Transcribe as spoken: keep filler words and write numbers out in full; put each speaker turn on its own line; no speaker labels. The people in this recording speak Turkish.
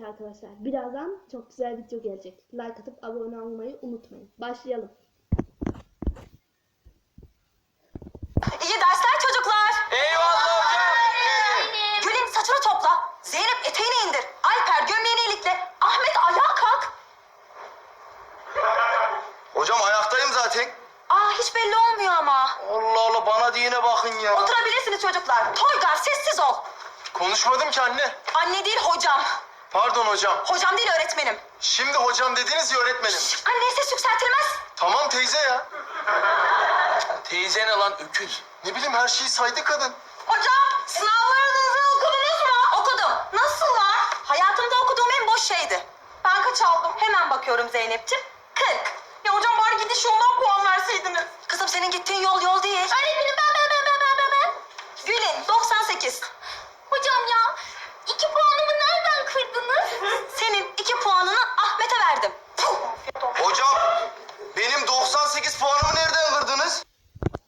arkadaşlar, birazdan çok güzel video gelecek. Like atıp abone olmayı unutmayın. Başlayalım.
İyi dersler çocuklar.
Eyvallah hocam.
Gül'ün saçını topla. Zeynep eteğini indir. Alper gömleğini ilikle. Ahmet ayağa kalk.
Hocam ayaktayım zaten.
Aa hiç belli olmuyor ama.
Allah Allah, bana diyene bakın ya.
Oturabilirsiniz çocuklar. Toygar sessiz ol.
Konuşmadım ki anne.
Anne değil hocam.
Pardon hocam.
Hocam değil öğretmenim.
Şimdi hocam dediniz ya öğretmenim.
Anne ses yükseltilmez.
Tamam teyze ya. Teyze ne lan, öküz? Ne bileyim, her şeyi saydı kadın.
Hocam sınavlarınızı okudunuz mu? Okudum. Nasıllar? Hayatımda okuduğum en boş şeydi. Ben kaç aldım? Hemen bakıyorum Zeynep'ciğim. kırk. Ya hocam bari gidiş yoldan puan verseydiniz. Kızım senin gittiğin yol yol değil. Öğretmenim ben ben ben ben ben ben ben. Gül'ün doksan sekiz. Hocam ya iki puanımı nereden kırdınız? Senin iki puanını